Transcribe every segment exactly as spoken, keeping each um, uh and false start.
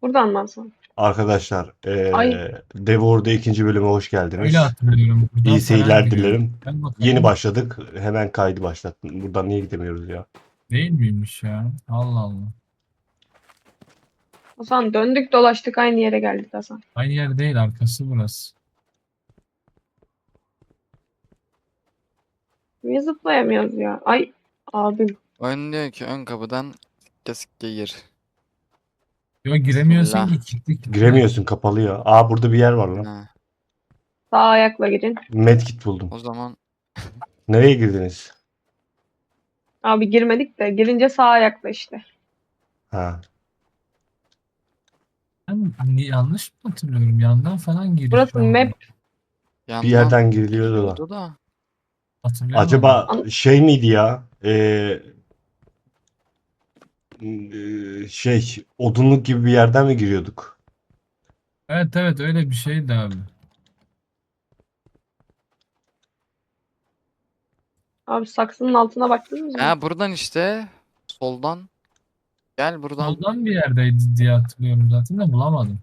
Buradan mı Hasan? Arkadaşlar, Ay eee Devor'da ikinci bölüme hoş Öyle geldiniz. hatırlıyorum. Buradan İyi falan seyirler giriyor. dilerim. Gel Yeni bakalım. başladık. Hemen kaydı başlattım. Buradan niye gidemiyoruz ya? Değil miymiş ya? Allah Allah. Hasan döndük dolaştık aynı yere geldik Hasan. Aynı yer değil, arkası burası. Niye zıplayamıyoruz ya? Ay abim. Oyun diyor ki ön kapıdan sikke sikke gir. Yok, giremiyorsun Bismillah. ki, kilitli kilitli. Giremiyorsun, kapalı ya. Aa, burada bir yer var lan. Ha, Sağ ayakla girin. Medkit buldum. o zaman Nereye girdiniz? Abi girmedik de girince sağ ayakla işte. Ha. Ben ni- yanlış mı hatırlıyorum? Yandan falan giriş Burası var. map. yandan Bir yerden giriliyordu da. giriyordu da. Hatırlayamadım. Acaba An- şey miydi ya? Eee eee, şey, odunluk gibi bir yerden mi giriyorduk? Evet evet, öyle bir şeydi abi. Abi saksının altına baktınız mı? Ha buradan işte soldan. Gel buradan. Soldan bir yerdeydi diye hatırlıyorum zaten de bulamadım.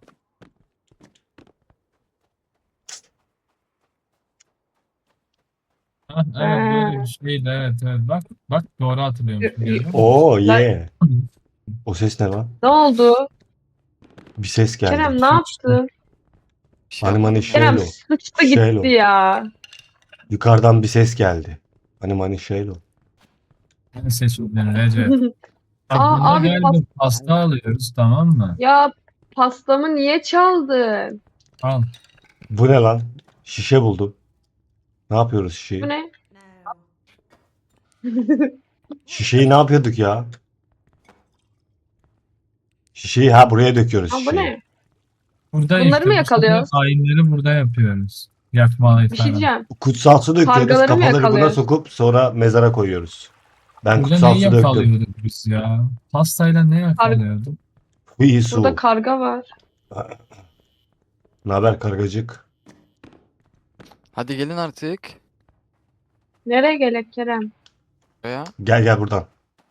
Ha, evet böyle Ha. bir şeydi, evet evet, bak bak doğru hatırlıyormuşum, görüyor musun? Oo Lan- ye. O ses ne lan? Ne oldu? Bir ses geldi. Kerem ne yaptın? Bir şey Hani mani yapmadım şey- ya. Kerem Şeylo. sıçtı Şeylo. gitti ya. Yukarıdan bir ses geldi. Hani mani şeylo. Ben seçildim Recep. Bak Aa, buna abi galiba pas- pasta alıyoruz, tamam mı? Ya pastamı niye çaldın? Al. Bu ne lan? Şişe buldum. Ne yapıyoruz Bu şişeyi? ne? Şişeyi ne yapıyorduk ya? Şişeyi ha buraya döküyoruz Aa, bu şişeyi. ne? Burada Bunları işte mı bu yakalıyoruz? sefer ayinleri burada yapıyoruz. Yakma Bir şey falan. diyeceğim. Kutsal su döküyoruz. Kargaları mı Kafaları buna yakalıyoruz? sokup sonra mezara koyuyoruz. Ben Burada kutsal neyi su döktüm. yakalıyorduk biz ya? Pastayla ne yakalıyorduk? Bu iyi Burada su. karga var. Ne haber kargacık? Hadi gelin artık. Nereye gerek Kerem? Buraya. Gel gel buradan.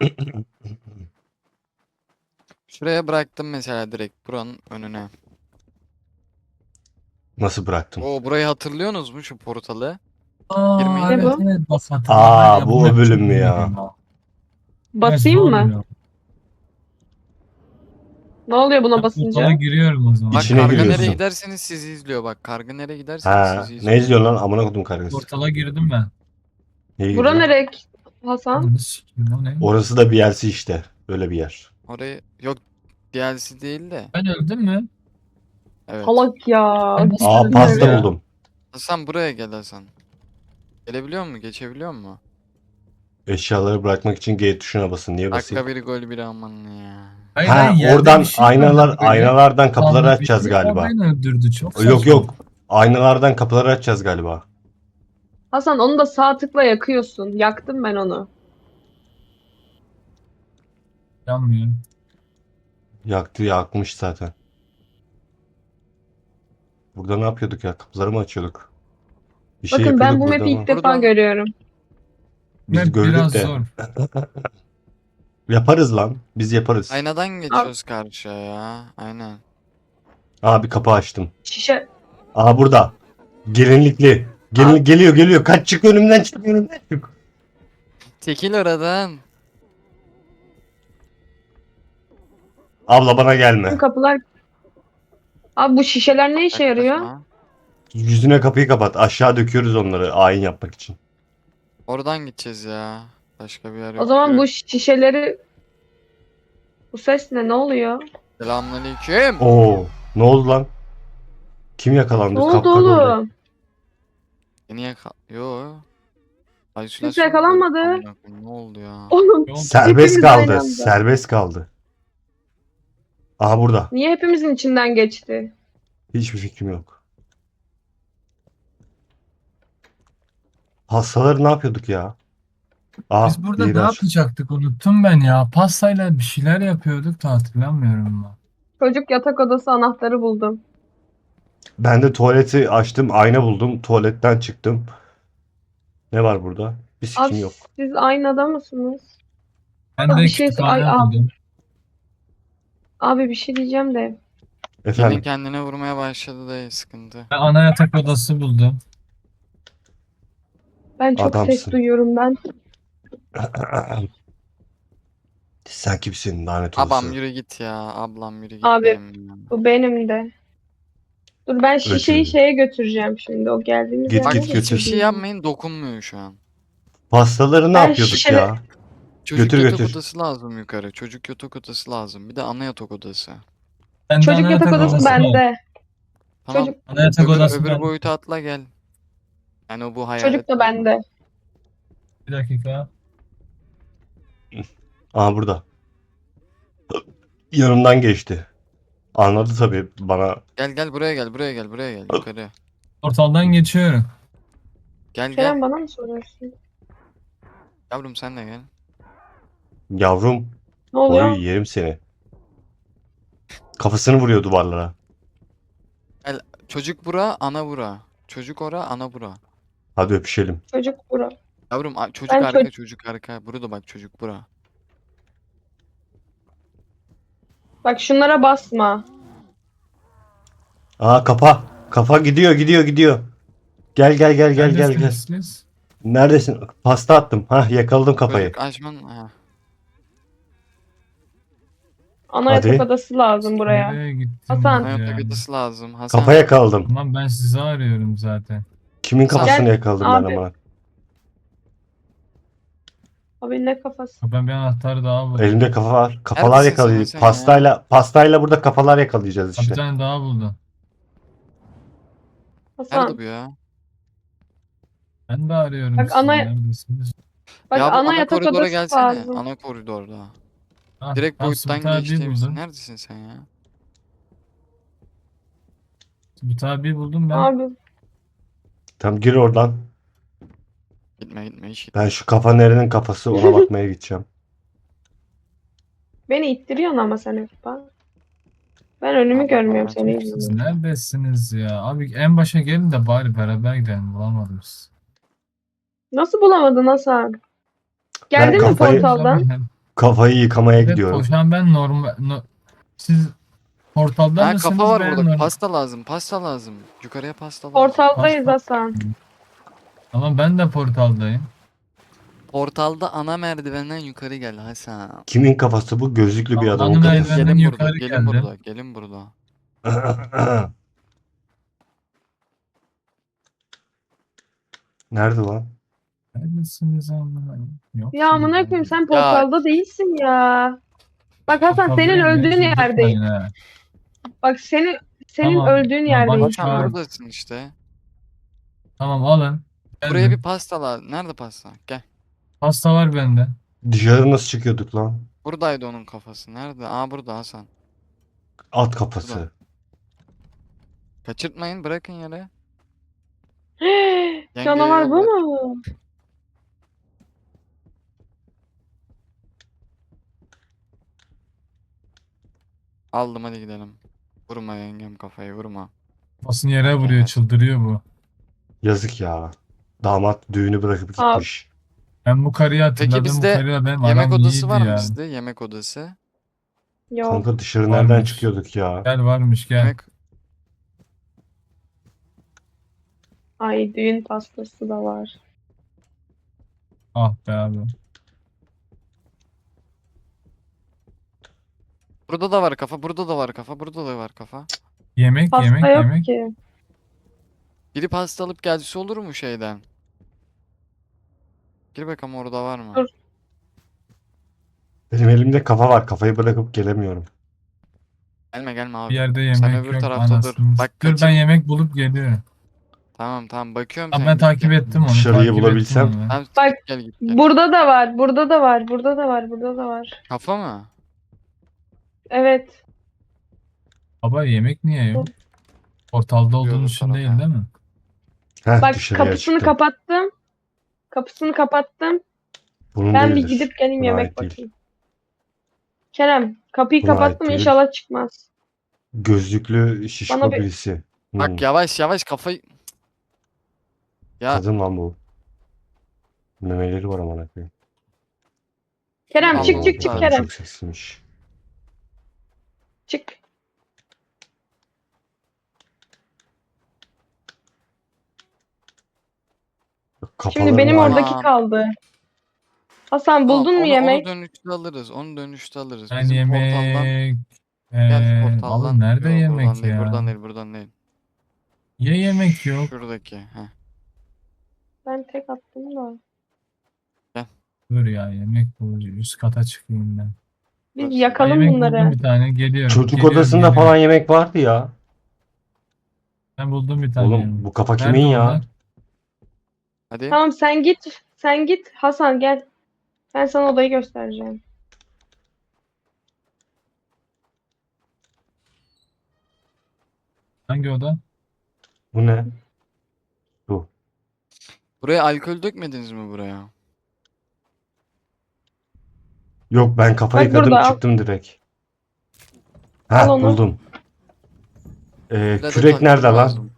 Şuraya bıraktım mesela direkt buranın önüne. Nasıl bıraktım? Oo burayı hatırlıyorsunuz mu şu portalı? Aa, Girmeyin. evet Ne bu? evet, bak hatırladım. Aa, Ya, bu map o bölüm çok mü iyi ya? ya. Basayım Evet, mı? zor ya. Ne oluyor buna Ben basınca? portala giriyorum o zaman. Bak İçine karga giriyorsun. nereye giderseniz sizi izliyor. Bak karga nereye giderseniz Ha, sizi izliyor. ne izliyorsun lan? Amına kodum kargası. Portala girdim ben. Neye Bura gidiyorsun? nereye Hasan? Ananı sikeyim, o ne? Orası da bir yersi işte. Böyle bir yer. Orayı yok D L C değil de. Ben öldüm mü? Evet. Salak ya. Ben nasıl Aa, öldüm pasta ya? buldum. Hasan buraya gel Hasan. Gelebiliyor musun? Geçebiliyor musun? Eşyaları bırakmak için G tuşuna basın. Niye basayım? Dakika bir gol bir aman ya. Hayır, Ha, hayır, yerde oradan bir şey aynalar vardı böyle. aynalardan kapıları Kaldı bir açacağız şey, galiba. o beni öldürdü, çok Yok saçma. yok. Aynalardan kapıları açacağız galiba. Hasan onu da sağ tıkla yakıyorsun. Yaktım ben onu. Yanmıyor. Yaktı yakmış zaten. Burada ne yapıyorduk ya? Kapıları mı açıyorduk? Bir şey Bakın ben yapıyorduk bu burada map'i ilk ama. defa Burada- görüyorum. Biz Map gördük biraz de. zor. Yaparız lan. Biz yaparız. Aynadan geçiyoruz karşıya ya. Aynen. Aa, bir kapı açtım. Şişe. Aa, burada. Gelinlikli. Gelin, Aa. geliyor geliyor. Kaç, çık önümden, çık önümden çık. Çekil oradan. Abla bana Bu gelme. kapılar... Abi bu şişeler ne işe yarıyor? Yaklaşma. Yüzüne kapıyı kapat. Aşağı döküyoruz onları ayin yapmak için. Oradan gideceğiz ya. Başka bir yer yok. O zaman Yürü. bu şişeleri... Bu ses ne? Ne oluyor? Selamünaleyküm. Oo, ne oldu lan? Kim yakalandı? Ne oldu Kapkara oldu. oğlum? Beni yaka... Yo. Kimse yakalanmadı. Amına koyayım, ne oldu ya? Oğlum Yok. Serbest hepimiz aynı kaldı. anda. Serbest kaldı. Aha, burada. Niye hepimizin içinden geçti? Hiçbir fikrim yok. Hastaları ne yapıyorduk ya? Ah, Biz burada biri ne aç. yapacaktık, unuttum ben ya. Pastayla bir şeyler yapıyorduk da hatırlamıyorum ben. Çocuk yatak odası anahtarı buldum. Ben de tuvaleti açtım, ayna buldum. Tuvaletten çıktım. Ne var burada? Bir sikim Abi yok. siz aynada mısınız? Ben Aa, de bir şey- kütüphane ay, aa. buldum. Abi bir şey diyeceğim de. Yine Efendim kendine vurmaya başladı da sıkıntı. Ben ana yatak odası buldum. Ben çok ses adamsın. duyuyorum ben. Sen kimsin lanet Abam olası? yürü git ya. Ablam yürü git Abi benim ya. bu benim de. Dur ben şişeyi Öcü. şeye götüreceğim şimdi. O geldiğimiz Git, yer git, neresi götür. Hiçbir şey bilmiyorum. yapmayın, dokunmuyor şu an. Pastaları ne Ben yapıyorduk şişele- ya? Çocuk Götür, yatak götür. odası lazım yukarı. Çocuk yatak odası lazım. Bir de ana yatak odası. Bende Çocuk ana yatak odası var. bende. Tamam. Çocuk Ana yatak Öbür, odası öbür bende. boyuta atla gel. Yani o bu çocuk hayalet da boyutu. bende. Bir dakika. Aa burada. Yanımdan geçti. Anladı tabii bana. Gel gel buraya gel buraya gel buraya gel yukarı. Portaldan geçiyorum. Gel gel. Kerem bana mı soruyorsun? Yavrum sen de gel. Yavrum, Ne oluyor? oy yerim seni. Kafasını vuruyor duvarlara. Çocuk bura, ana bura. Çocuk ora, ana bura. Hadi öpüşelim. Çocuk bura. Yavrum a- çocuk Ben arka, çocuk- çocuk arka. Burada bak çocuk bura. Bak şunlara basma. Aa kafa. Kafa gidiyor, gidiyor, gidiyor. Gel gel gel gel gel gel. Neredesiniz siz? Neredesin? Pasta attım. Hah yakaladım kafayı. Çocuk açman. Ha. Ana Hadi. yatak odası lazım buraya. Nereye gittiniz Hasan. Ana ya? yatak odası lazım. Hasan. Kafa yakaladım. Tamam ben sizi arıyorum zaten. Kimin kafasını Gel, yakaladım ben abi. ama? Abi ne kafası? Ben bir anahtar daha buldum. Elimde kafa var. Kafalar Neredesin yakalayacağız. sen ya? Pastayla pastayla burada kafalar yakalayacağız Bir işte. tane daha buldum. Hasan. Nerede bu ya? Ben de arıyorum Bak sizi. ana- Neredesiniz? Bak Ya bu ana ana yatak koridora odası gelsene. lazım. Ana koridorda. Ah, Direkt ben boyuttan Subut abi geçtiğimizde. buldum. Neredesin sen ya? Subut abi buldum ben. Abi Tamam gir oradan. Gitme gitme hiç gitme. Ben şu kafa nerenin kafası ona bakmaya gideceğim. beni ittiriyorsun ama sen hep bak. Ben önümü Abi, görmüyorum abi, seni Siz izliyorum. neredesiniz ya? Abi en başa gelin de bari beraber gidelim. Bulamadım sizi. Nasıl bulamadın Hasan? Geldin mi kafayı- portaldan? Abi, Kafayı yıkamaya evet, gidiyorum. şu an ben normal... No, siz portalda Ha mısınız? kafa var ben burada. normal- Pasta lazım. Pasta lazım. Yukarıya pasta lazım. Portaldayız Pasta- Hasan. Ama ben de portaldayım. Portalda ana merdivenden yukarı gel Hasan. Kimin kafası bu? Gözlüklü bir Tamam, adamın ana kafası. merdiven- Benden Gelin burada. yukarı Gelin geldi. burada. Gelin burada. Nerede lan? Neredesiniz amına? Yok. Ya amına koyayım sen portalda değilsin ya. Bak Hasan senin Portaldayım, öldüğün beni yerdeyim. tutmayın ha. Bak senin senin Tamam, öldüğün tamam, yerdeyim bak- şu Hasan an. Tamam. buradasın işte. Tamam alın. Buraya Geldim. bir pasta lazım. Nerede pasta? Gel. Pasta var bende. Dışarı nasıl çıkıyorduk lan? Buradaydı onun kafası. Nerede? Aa burada Hasan. At kafası. Burada. Kaçırtmayın. Bırakın yere. Canavar bu yollar. mu? Aldım hadi gidelim. Vurma yengem kafayı vurma. Kafasını yere vuruyor, Evet. çıldırıyor bu. Yazık ya. Damat düğünü bırakıp Abi. gitmiş. Ben bu karıyı hatırladım. bizde Bu karıyla benim Yemek aram odası iyiydi var mı ya. bizde? Yemek odası. Yok. Kanka dışarı Varmış. nereden çıkıyorduk ya? Gel varmış gel. Yemek Ay düğün pastası da var. Ah be abi. burada da var kafa. Burada da var kafa. Burada da var kafa. Yemek Pasta yemek yok yemek. ki. Biri pasta alıp gelse olur mu şeyden? Gir bakalım orada var mı? Dur. Benim elimde kafa var. Kafayı bırakıp gelemiyorum. Gelme gelme abi. Bir yerde Sen yemek öbür yok tarafta dur. anasını. Bak Dur kaçır. ben yemek bulup geliyorum. Tamam tamam bakıyorum Abi sen ben git takip gel. ettim onu. Dışarıyı takip bulabilsem. ettim onu ben. Tamam Bak, git gel git gel. Burada da var, burada da var, burada da var, burada da var. Kafa mı? Evet. Baba yemek niye yok? Portalda olduğun Yolu için tarafa. değil değil mi? Heh Bak dışarıya kapısını çıktım. kapattım. Kapısını kapattım. Bunun Ben bir değildir. gidip geleyim Buna yemek ait değil. bakayım. Kerem, kapıyı Buna ait kapattım değil. inşallah çıkmaz. Gözlüklü şişko Bana bir- birisi. Hmm, Bak yavaş yavaş kafayı. Ya Kadın lan bu. Memeleri var amına koyayım. Kerem Allah çık Allah. çık çık Kadın Kerem. çok seksiymiş. Çık. Kafalarım benim var. oradaki Tamam. kaldı. Hasan Tamam, buldun mu onu, yemek? onu dönüşte alırız. Onu dönüşte alırız. Ben Bizim portaldan yemek... gel Ee, abi portaldan. nerede Yok, yemek buradan değil, ya? buradan değil, buradan değil. Ya yemek yok. Şuradaki. Heh. Ben tek attım da. Dur ya yemek bulucu. Üst kata çıkayım ben. Biz Burası. Ha, yakalım yemek bunları. buldum bir tane. Geliyorum. Çocuk Geliyorum, odasında geliyorum. falan yemek vardı ya. Ben buldum bir tane Oğlum yemek. bu kafa kimin Nerede ya? onlar? Hadi. Tamam sen git. Sen git. Hasan gel. Ben sana odayı göstereceğim. Hangi oda? Bu ne? Bu. Buraya alkol dökmediniz mi buraya? Yok ben kafa Bak yıkadım burada, al. çıktım direkt. Al Ha onu. buldum. Ee, Bir adet kürek alkol nerede lan? lazım.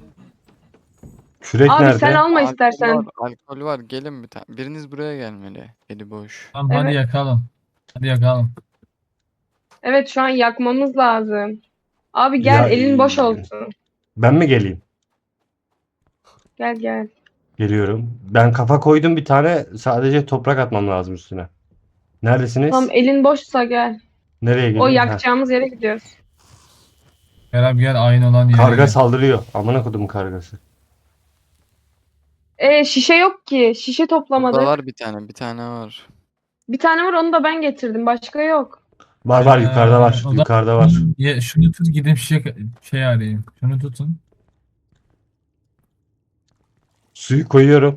Kürek Abi nerede? sen alma Alkol istersen. var, alkol var. Gelin bir tane. Biriniz buraya gelmeli. Eli boş. Tamam hadi Evet. yakalım. Hadi yakalım. Evet şu an yakmamız lazım. Abi gel Ya, elin boş e, olsun. Ben mi geleyim? Gel gel. Geliyorum. Ben kafa koydum bir tane. Sadece toprak atmam lazım üstüne. Neredesiniz? Tamam elin boşsa gel. Nereye O geleyim? Ha. yakacağımız yere gidiyoruz. Gel abi gel aynı olan yere Karga gel. saldırıyor. Amına kodum kargası. E şişe yok ki. Şişe Burada toplamadık. var bir tane. Bir tane var. Bir tane var onu da ben getirdim. Başka yok. Var var Ee, yukarıda var. o zaman Yukarıda var. Ye, şunu tut gidip şey, şey arayayım. Şunu tutun. Suyu koyuyorum.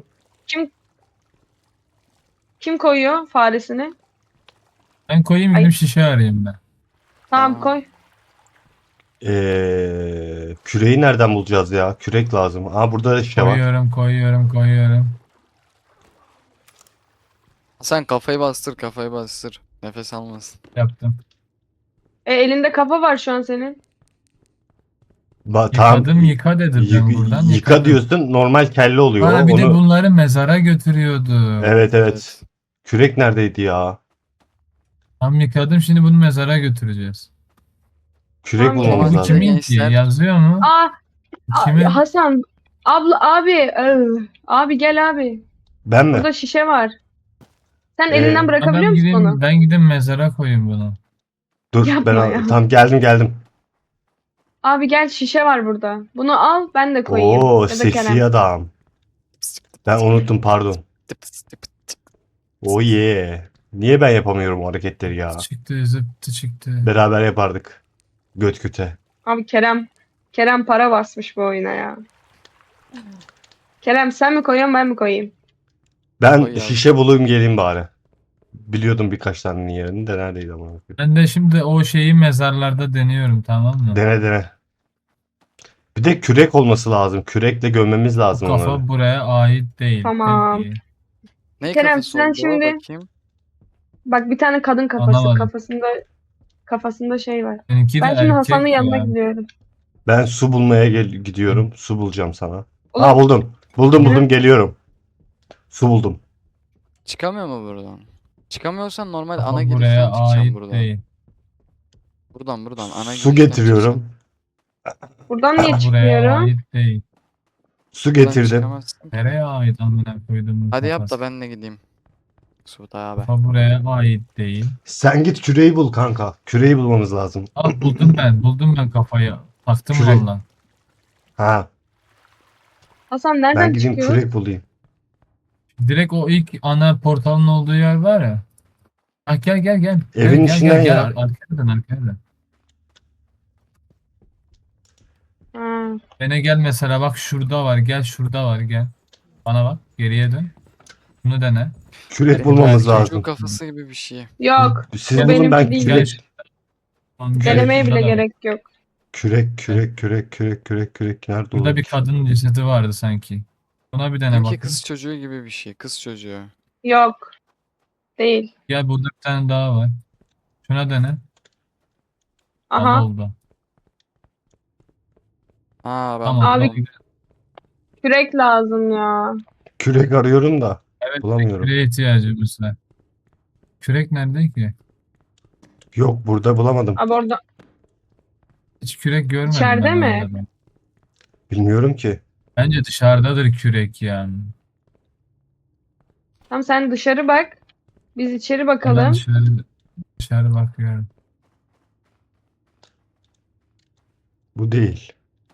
Kim koyuyor faresini? Ben koyayım Ay. gidip şişe arayayım ben. Tamam Tamam. koy. Ee, küreği nereden bulacağız ya? Kürek lazım. Aa burada da şişe var. Koyuyorum koyuyorum koyuyorum. Sen kafayı bastır, kafayı bastır. Nefes almasın. Yaptım. E elinde kafa var şu an senin. Ba tamam. Yıkadım yıka dedi ben Yık- buradan. yıka yıkadım. diyorsun. Normal kelle oluyor. Bana bir de Onu... bunları mezara götürüyordu. Evet evet. Kürek neredeydi ya? Tam yıkadım şimdi bunu mezara götüreceğiz. Kürek Tamam, bulmamız Bu Olmaz lazım. kimin ki? gençler. Yazıyor mu? Aa, a- Kimin? Hasan. Abla abi. ıı, Abi gel abi. Ben mi? Burada şişe var. Sen Ee, elinden Ha, bırakabiliyor ben musun gideyim, onu? ben gideyim mezara koyayım bunu. Dur Yapma ben al- ya. tamam geldim geldim. Abi gel şişe var burada. Bunu al ben de koyayım. Oo Ya da seksi Kerem. adam. Ben unuttum pardon. Oh yeah. Niye ben yapamıyorum o hareketleri ya? Çıktı zıptı çıktı. Beraber yapardık. Göt göte. Abi Kerem. Kerem para basmış bu oyuna ya. Kerem sen mi koyuyorsun ben mi koyayım? Ben Koy ya. şişe bulayım geleyim bari. Biliyordum birkaç tanenin yerini de neredeydi ama. Ben de şimdi o şeyi mezarlarda deniyorum tamam mı? Dene dene. Bir de kürek olması lazım. Kürekle gömmemiz Bu lazım onları. kafa buraya ait değil. Tamam. Peki. Ne Kerem, kafası sen oldu? şimdi- Bakayım. Bak bir tane kadın kafası Anlamadım. kafasında kafasında şey var. Seninki de Ben şimdi erkek Hasan'ın yanına ya. gidiyorum. Ben su bulmaya gel gidiyorum. Su bulacağım sana. Oğlum, Aa buldum. Buldum Ne? buldum geliyorum. Su buldum. Çıkamıyor mu buradan? Çıkamıyorsan normal Kafa ana buraya girişten çıkacağım ait buradan. değil. Buradan buradan ana Su girişten getiriyorum. buradan niye Buraya çıkmıyorum? ait değil. Su çıkacaksın. Buradan getirdim. çıkamazsın. Nereye ait amına koydum Hadi yap da ben de gideyim. Suda abi. Kafa buraya ait değil. Sen git küreği bul kanka. Küreği bulmamız lazım. Aa buldum ben. Buldum ben kafayı. Taktım Kürek. valla. Ha, Hasan ben nereden gideyim çıkıyor? kürek bulayım. Direkt o ilk ana portalın olduğu yer var ya. Ah gel gel gel. Gel, Evin gel, içinden gel, gel. ya. Ar- Arkaya dön arkaya dön. Ha. Bana gel mesela bak şurada var. Gel şurada var gel. Bana bak geriye dön. Bunu dene. Kürek bulmamız Erkek Çocuğun lazım. kafası gibi bir şey. Yok. Siz Bu bulun benimki ben değil. Gel. kürek. Tamam, gel, Denemeye şurada bile da var. gerek yok. Kürek, kürek, kürek, kürek, kürek, kürek. Nerede Burada olur? bir kadın cesedi vardı sanki. Buna bir dene Sanki bakayım. kız çocuğu gibi bir şey. Kız çocuğu. Yok. Değil. Gel burada bir tane daha var. Şuna dene. Al Aha. oldu. Aa ben Tamam. Abi- oldu. Kürek lazım ya. Kürek arıyorum da Evet, bulamıyorum. küreğe ihtiyacımız var. Kürek nerede ki? Yok burada bulamadım. Abi orada. Hiç kürek görmedim İçeride ben mi? orada ben. Bilmiyorum ki. Bence dışarıdadır kürek yani. Tamam sen dışarı bak. Biz içeri Ben bakalım. dışarı, dışarı bakıyorum. Bu değil.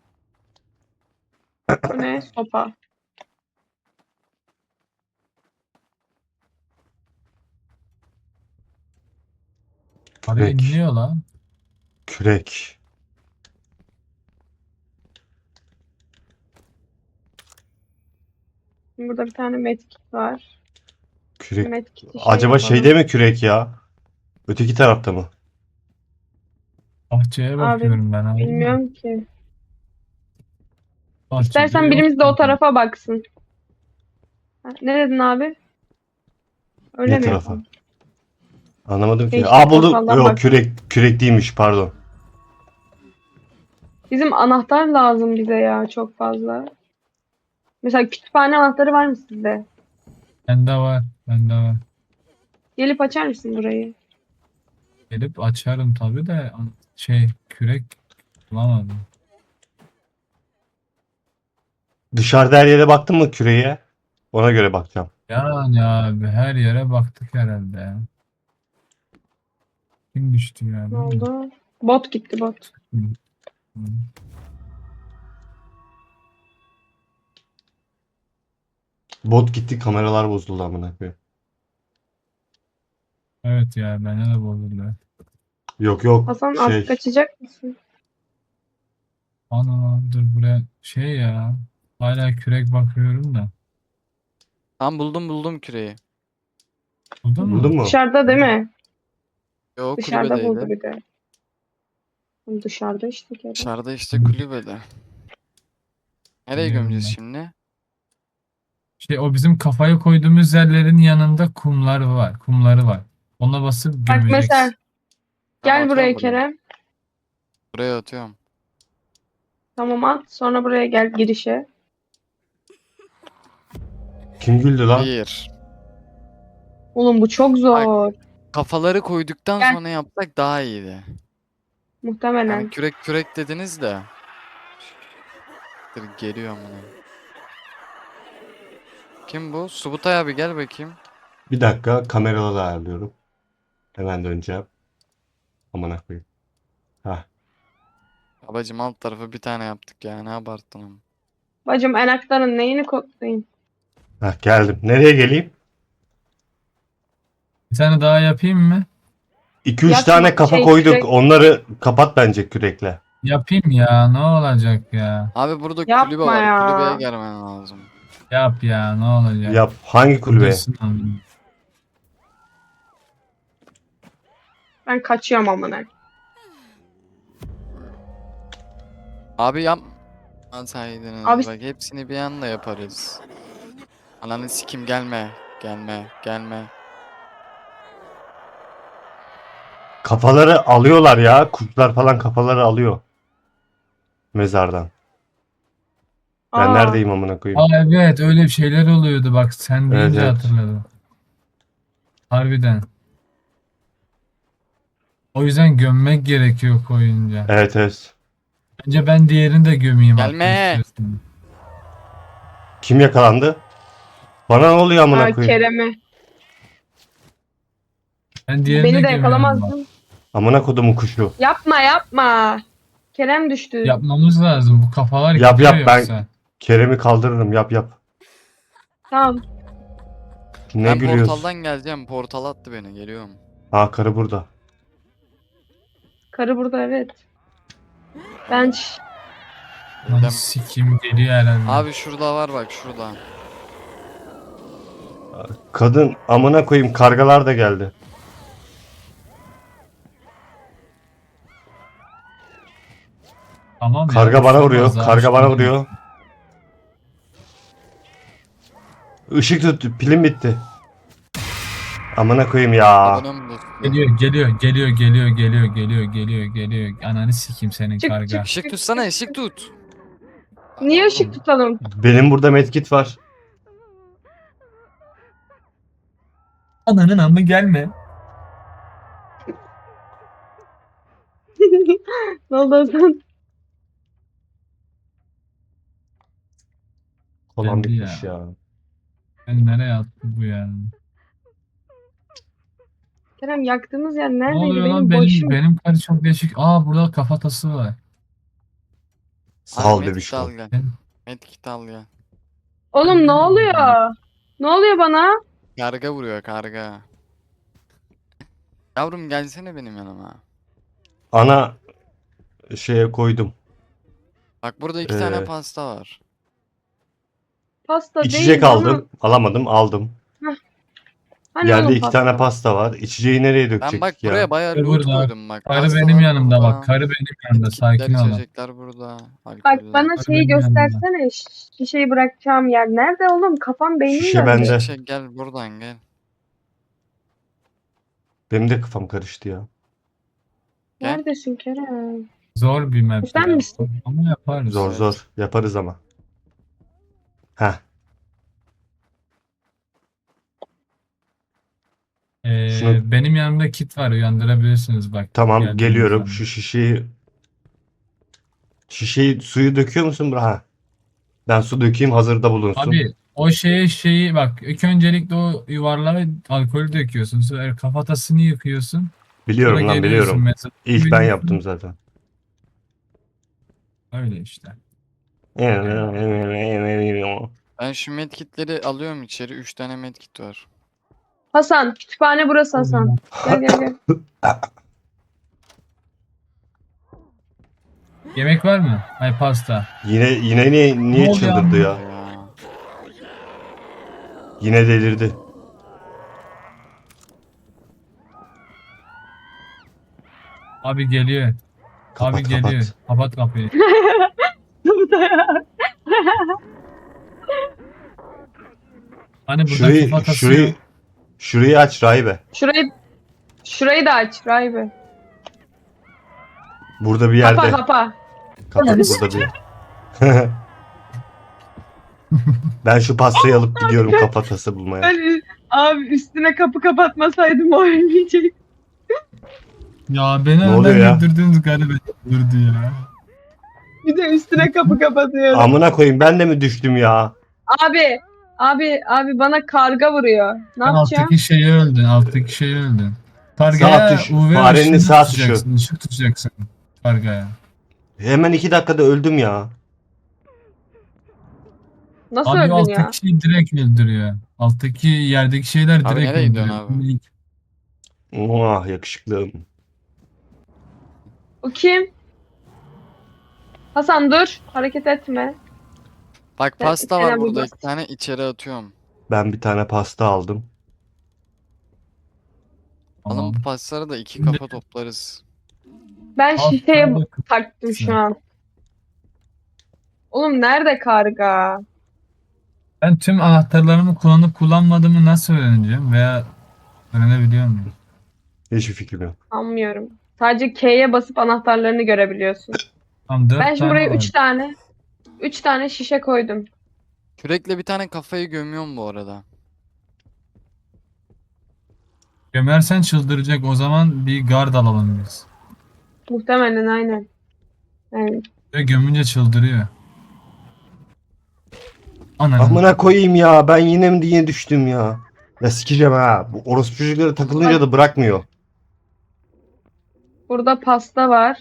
Bu ne? Sopa. Araya Kürek. inliyor lan. Kürek. Burada bir tane medkit var. Kürek. Medkit'i şey Acaba yapalım. şeyde mi kürek ya? Öteki tarafta mı? Bahçeye Abi bakıyorum ben abi. bilmiyorum ki. Bahçede İstersen yok birimiz de o gibi. tarafa baksın. Ha, ne dedin abi? Öyle Ne mi tarafa? yapalım? Anlamadım Şey ki. işte, Aa buldum. portaldan Yok bak. kürek kürek değilmiş pardon. Bizim anahtar lazım bize ya çok fazla. Mesela kütüphane anahtarı var mı sizde? Bende var. Bende var. Gelip açar mısın burayı? Gelip açarım tabii de şey kürek bulamadım. Dışarıda her yere baktın mı küreğe? Ona göre bakacağım. Yani abi her yere baktık herhalde ya. Kim düştü ya Ne değil mi? oldu? Bot gitti bot. Hı. Hı. Bot gitti kameralar bozuldu amına koyayım. Evet ya bende de bozuldu. Yok yok Hasan şey. artık açacak mısın? Ana dur buraya şey ya. Hala kürek bakıyorum da. Tam buldum buldum küreği. Buldun mu? Buldun mu? Dışarıda değil mi? Yo Dışarıda buldu kulübedeydi. bir de. Dışarıda işte kere. Dışarıda işte Hı. kulübede. Nereye Biliyorum gömeceğiz ben. şimdi? Şey o bizim kafayı koyduğumuz yerlerin yanında kumlar var. Kumları var. Ona basıp Bak gömeceksin. mesela Tamam, gel buraya atıyorum buraya. Kerem. Buraya atıyorum. Tamam at. Sonra buraya gel girişe. Kim güldü lan? Bir. Oğlum bu çok zor. Kafaları koyduktan Gel. sonra yapsak daha iyiydi. Yani Muhtemelen. kürek kürek dediniz de. Dur geliyor amına. Kim bu? Subutay abi gel bakayım. Bir dakika kameraları ayarlıyorum. Hemen döneceğim. Amına koyayım. Hah. Babacım alt tarafı bir tane yaptık ya, ne abarttın ama. Bacım enaktarın neyini koklayayım? Hah geldim. Nereye geleyim? Bir tane daha yapayım mı? iki üç Yapma, tane kafa şey, koyduk. kürek- Onları kapat bence kürekle. Yapayım ya ne olacak ya? Abi burada kulübe Yapma var. ya. Kulübeye gelmen lazım. Yap ya ne olacak? Yap. Hangi kulübe? Buradasın oğlum. Ben kaçıyorum amına. Abi yap. Ansaydınız Abi- bak hepsini bir anda yaparız. Ananı sikim gelme. Gelme. Gelme. Kafaları alıyorlar ya. Kurtlar falan kafaları alıyor. Mezardan. Ben Aa, neredeyim amına koyayım? Aa evet öyle bir şeyler oluyordu bak sen Evet, deyince evet. hatırladım. Harbiden. O yüzden gömmek gerekiyor koyunca. Evet evet. Bence ben diğerini de gömeyim Gelme. hakkı istiyorsan. Kim yakalandı? Bana ne oluyor amına aa koyayım? Kerem'i. Ben diğerini Beni de gömüyorum bak. yakalamazdın. Amına kodumun kuşu. Yapma yapma. Kerem düştü. Yapmamız lazım. Bu kafalar Yap, gidiyor yap, ben- yoksa. Kerem'i kaldırırım. Yap yap. Tamam. Ne Ben gülüyorsun? portaldan geleceğim. Portal attı beni. Geliyorum. Ha karı burada. Karı burada evet. Ben ş- Lan Geldim. sikim geliyor herhalde. Abi şurada var bak şurada. Kadın amına koyayım kargalar da geldi. Tamam ya, Karga bir bana şey vuruyor. olmaz abi, Karga şey bana değil. vuruyor. Işık tut. Pilim bitti. Amına koyayım ya. Abone mi dostum? Geliyor geliyor geliyor geliyor geliyor geliyor geliyor geliyor. Ananı sikeyim senin Çık, karga. çık. Işık tutsana ışık tut. Niye Aa, ışık oğlum, tutalım? Benim burada medkit var. Ananın amı gelme. Ne oldu Hasan? Kolan Geldi bitmiş ya. ya. Ben nereye attı bu yani? Kerem yaktığımız yer Ne neredeydi? oluyor Benim lan? Benim, başım. benim karı çok değişik. Aa burada kafatası var. Sağ Abi ol medkit bebişkom. al gel. Medkit al gel. Oğlum ne oluyor? Ne oluyor bana? Karga vuruyor karga. Yavrum gelsene benim yanıma. Ana şeye koydum. Bak burada iki tane Ee, pasta var. Pasta değil İçecek bana. aldım. Alamadım, aldım. Hani Yerde oğlum iki pasta? tane pasta var. İçeceği nereye Ben bak dökecektik ya? buraya bayağı Karı loot burada. koydum bak. Karı Pastalar benim yanımda burada, bak. Karı benim yanımda. Sakin medkitler, ol. içecekler burada. Bak Alkoller. bana Karı şeyi benim yanımda. göstersene. şi- Şişeyi bırakacağım yer. Nerede oğlum? Kafam beynim Şişe döndü. bende. Şişe gel buradan gel. Benim de kafam karıştı ya. Gel. Neredesin Kerem? Zor bir map Sen ya. misin? Ama yaparız. Zor Evet. zor. Yaparız ama. Heh. Ee, Şunu- benim yanımda kit var. Uyandırabilirsiniz bak. Tamam geldiğiniz geliyorum. zaman. Şu şişeyi şişeyi suyu döküyor musun? Ha. Ben su dökeyim hazırda bulunsun. Abi o şeye şeyi bak. İlk öncelikle o yuvarlağa alkolü döküyorsun. Sonra kafatasını yıkıyorsun. Biliyorum Sonra lan geliyorsun biliyorum. mesela. İlk ben Biliyorsun. yaptım zaten. Öyle işte. Ben şu medkitleri alıyorum içeri. Üç tane medkit var. Hasan. Kütüphane burası Hasan. Gel gel gel. Yemek var mı? Ay pasta. Yine yine niye, niye Ne oluyor çıldırdı ya? Ya. Yine delirdi. Abi geliyor. Kapat Abi geliyor. kapat. Kapat kapıyı. Hani burada Şurayı kafatası şurayı yok. şurayı aç Rahibe. Şurayı şurayı da aç Rahibe. Burada bir Kapa yerde. kapa. Kapat burada bir. Ben şu pastayı alıp gidiyorum kafatası bulmaya. Ben, abi üstüne kapı kapatmasaydım o ölmeyecek. Ya beni Ne oluyor ya? önden güldürdünüz galiba. Durdu ya. Bir de üstüne kapı kapatıyorum. Amına koyayım ben de mi düştüm ya? Abi, abi, abi bana karga vuruyor. Ne Sen yapacağım? alttaki şeyi öldün. Alttaki şeyi öldün. Sağ Kargaya tuş, U V farenin ışını sağ tutacaksın. Işık tutacaksın. Kargaya. Hemen iki dakikada öldüm ya. Nasıl Abi o öldün alttaki ya? şey direkt öldürüyor. Alttaki yerdeki şeyler Abi direkt nereye gidiyorsun öldürüyor. abi? Ah yakışıklım. O kim? Hasan dur. Hareket etme. Bak Ben- pasta Kerem var bir burada. bak. İki tane içeri atıyorum. Ben bir tane pasta aldım. Alın Tamam. bu pastaları da iki Şimdi- kafa toplarız. Ben Al şişeye sana da taktım şu an. Oğlum nerede karga? Ben tüm anahtarlarımı kullanıp kullanmadığımı nasıl öğreneceğim veya öğrenebiliyor muyum? Hiçbir fikrim yok. Anlamıyorum. Sadece K'ye basıp anahtarlarını görebiliyorsun. Tam dört Ben şimdi tane buraya var. üç tane üç tane şişe koydum. Kürekle bir tane kafayı gömüyorum bu arada. Gömersen çıldıracak. O zaman bir gard alalım biz. Muhtemelen aynen. Yani Ve gömünce çıldırıyor. Ananı. Amına koyayım ya ben yine mi diye düştüm ya. Ya sikeceğim ha. Bu orospu çocukları takılınca da bırakmıyor. burada pasta var.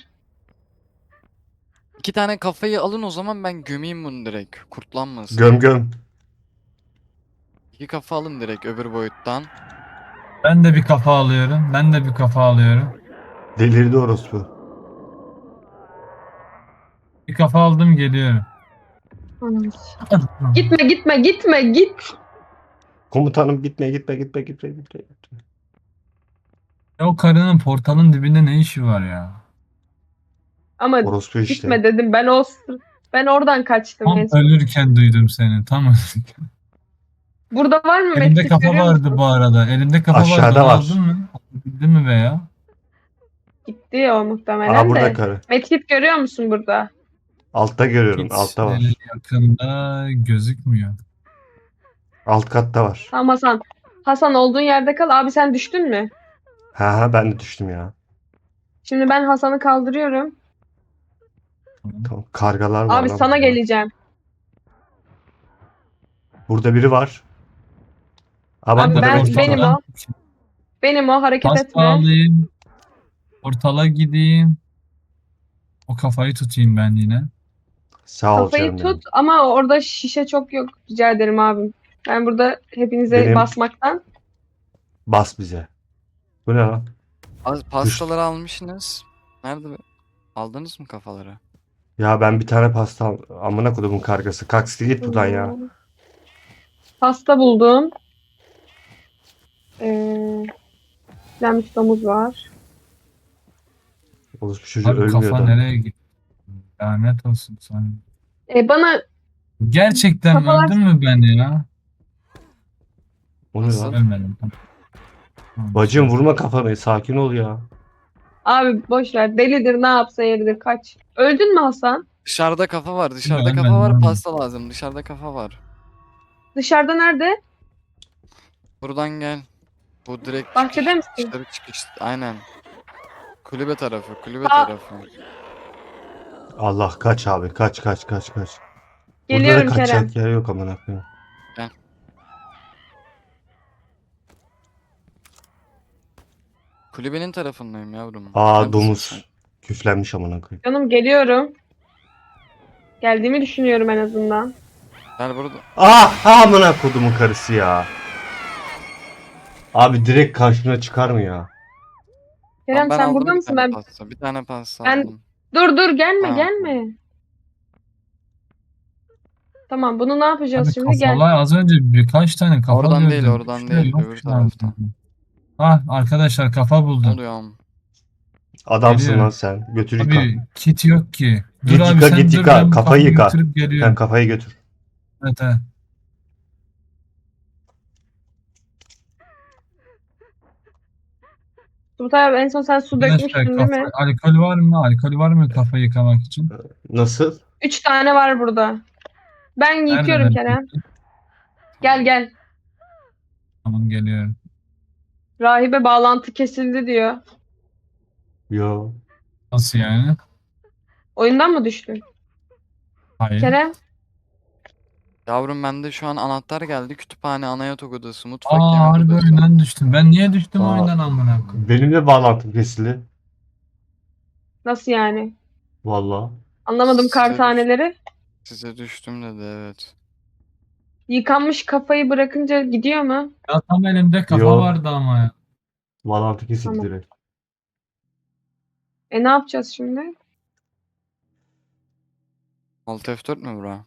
İki tane kafayı alın o zaman ben gömeyim bunu direkt. Kurtlanmasın. Göm göm. İki kafa alın direkt öbür boyuttan. Ben de bir kafa alıyorum. Ben de bir kafa alıyorum. Delirdi orospu. Bir kafa aldım geliyorum. Anam. Gitme gitme gitme git. Komutanım gitme gitme gitme gitme gitme. Ya o karının portalın dibinde ne işi var ya? Ama Orospu işte. gitme dedim. Ben o sır- ben oradan kaçtım. Tam en son. ölürken duydum seni. Tam ölürken. Burada var mı? Elimde Medkit kafa görüyor vardı musun? bu arada. Elimde kafa Aşağıda vardı. Onu var. aldın mı? Aldın mi veya? Gitti o muhtemelen Aa burada de. karı. Medkit görüyor musun burada? Altta görüyorum. Hiç Altta var. öyle yakında gözükmüyor. Alt katta var. Tamam Hasan. Hasan olduğun yerde kal. Abi sen düştün mü? Ha ha ben de düştüm ya. Şimdi ben Hasan'ı kaldırıyorum. Tamam. Kargalar var Abi lan sana burada. geleceğim. Burada biri var. Ha bak Abi burada ben- rakip benim var. o. Benim o, hareket Pasta etme. alayım. Portala gideyim. O kafayı tutayım ben yine. Sağ ol Kafayı canım benim. tut ama orada şişe çok yok. Rica ederim abim. Ben burada hepinize Benim- basmaktan. Bas bize. Bu ne lan? Az pastaları almışsınız. Nerede? Aldınız mı kafaları? Ya ben bir tane pasta al. Amına kodumun kargası. Kalk siktir git buradan ya. Pasta buldum. Ee, Pişlenmiş domuz var. Orospu çocuğu Abi ölmüyor kafa adam. nereye gitti? Lanet olsun sana. Ee, bana Gerçekten Kafalar- öldün mü ben ya? O ne Nasıl? lan? Ölmedim. Tamam. Tamam. Bacım vurma kafanı. Sakin ol ya. abi boş ver. Delidir, ne yapsa yeridir. Kaç. Öldün mü Hasan? Dışarıda kafa var. Dışarıda ölmedim, kafa var. ölmedim. Pasta lazım. Dışarıda kafa var. Dışarıda nerede? Buradan gel. Bu direkt Bahçede çıkış, misin? dışarı çıkış. Aynen. Kulübe tarafı. Kulübe Aa. tarafı. Allah kaç abi. Kaç kaç kaç kaç. Geliyorum Burada da Kerem. kaçacak yer yok amına koyayım. Kulübenin tarafındayım yavrum. Aa Neredesin sen? domuz. Küflenmiş amına koyayım. Canım geliyorum. Geldiğimi düşünüyorum en azından. Gel burada. Ah amına kodumun karısı ya. Abi direkt karşına çıkar mı ya? Kerem Tamam, ben sen aldım burada bir mısın? tane Ben pasta. Bir tane pasta Ben- aldım. dur dur gelme Ha. gelme. Tamam, bunu ne yapacağız Abi şimdi? Gel. kafalar az önce birkaç tane kafa Oradan değil, gördüm. oradan Şuraya değil, yok öbür şu an. taraftan. Ah arkadaşlar kafa Ne buldum. oluyor? Adamsın Geliyorum. lan sen. Götür yıka. Abi kit yok ki. Dur Git abi yıka, sen git dur, yıka. ben bu Kafayı kafayı yıka. götürüp Sen geliyorum. kafayı götür. Evet evet. Turtay abi en son sen su Arkadaşlar dökmüştün değil kafa, mi? alkol var mı? Alkol var mı kafa yıkamak için? Nasıl? Üç tane var burada. Ben yıkıyorum Nerede Kerem. ben? Gel gel. Tamam geliyorum. Rahibe bağlantı kesildi diyor. Yo. Nasıl yani? Oyundan mı düştün? Hayır. Kerem. Yavrum bende şu an anahtar geldi. Kütüphane, ana yatak odası, mutfak, Aa yemek harbi odası. oyundan düştüm. Ben niye düştüm Aa. oyundan amına koyayım? Benim de bağlantım kesildi. Nasıl yani? Vallahi. Anlamadım Size kar düş- taneleri. Size düştüm dedi, evet. Yıkanmış kafayı bırakınca gidiyor mu? Ya tam elimde kafa Yo. vardı ama ya. Bağlantı kesildi Tamam. direkt. E ne yapacağız şimdi? Alt F dört mü bura?